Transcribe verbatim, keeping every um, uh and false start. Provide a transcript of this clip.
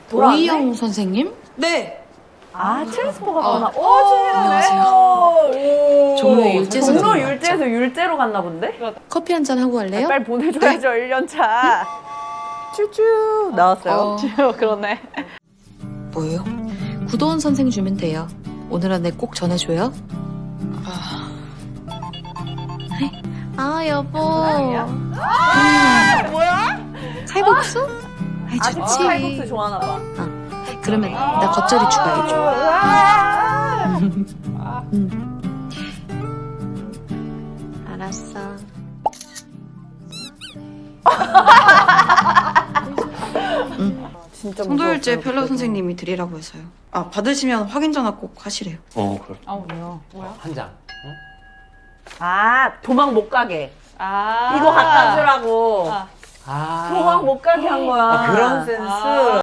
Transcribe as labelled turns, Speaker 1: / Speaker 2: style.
Speaker 1: 오이영 선생님?
Speaker 2: 네.
Speaker 3: 아, 트랜스포 갔구나.
Speaker 1: 어.
Speaker 3: 오, 친밀하네.
Speaker 1: 종로 율제
Speaker 3: 종로
Speaker 1: 선생님
Speaker 3: 율제에서 율제로 갔나 본데?
Speaker 1: 커피 한 잔 하고 갈래요?
Speaker 3: 빨리 보내줘야죠, 일 년 차. 쭈쭈 나왔어요.
Speaker 1: 어.
Speaker 3: 그러네.
Speaker 1: 뭐예요? 구도원 선생 주면 돼요. 오늘 안에 꼭 전해줘요. 아, 아 여보. 음.
Speaker 3: 뭐야?
Speaker 1: 칼국수? 아이
Speaker 3: 아직도
Speaker 1: 좋지.
Speaker 3: 칼국수 좋아하나 봐.
Speaker 1: 그러면 나 겉절이 추가해줘.
Speaker 3: 아.
Speaker 1: 음. 알았어.
Speaker 3: 진짜
Speaker 4: 송도율제
Speaker 3: 무서웠어요,
Speaker 4: 펠로
Speaker 3: 그때도.
Speaker 4: 선생님이 드리라고 해서요. 아, 받으시면 확인 전화 꼭 하시래요.
Speaker 5: 어, 그래.
Speaker 3: 아, 뭐야? 뭐야?
Speaker 5: 한 장.
Speaker 3: 아, 도망 못 가게.
Speaker 2: 아.
Speaker 3: 이거 갖다 주라고.
Speaker 2: 아.
Speaker 5: 아.
Speaker 3: 도망 못 가게 한 거야.
Speaker 5: 아, 그런
Speaker 3: 센스.